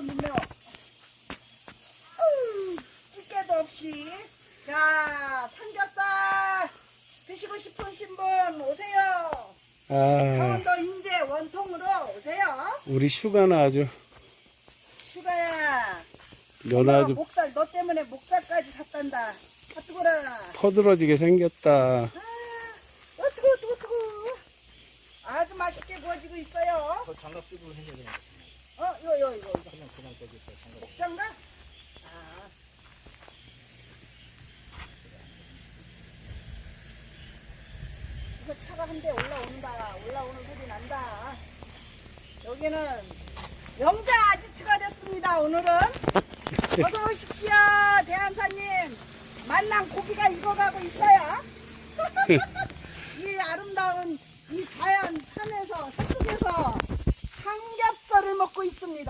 눈매워. 찌개도 없이. 자, 삼겹살 드시고 싶으신 분 오세요. 아, 강원도 인제 원통으로 오세요. 우리 슈가는 아주, 슈가야. 너는 엄마가 아주 목살, 너 때문에 목살까지 샀단다. 아, 뜨거라. 퍼들어지게 생겼다. 아, 뜨거. 아주 맛있게 구워지고 있어요. 그 장갑 쓰고 해야 그냥. 이거. 그냥 저기 있어. 장갑. 목장갑? 아. 이거 차가 한 대 올라온다. 올라오는 소리 난다. 여기는 영자 아지트가 됐습니다. 오늘은 어서 오십시오, 대한사님. 만난 고기가 익어가고 있어요. 이 아름다운 이 자연 산에서 산속에서 삼겹살을 먹고 있습니다.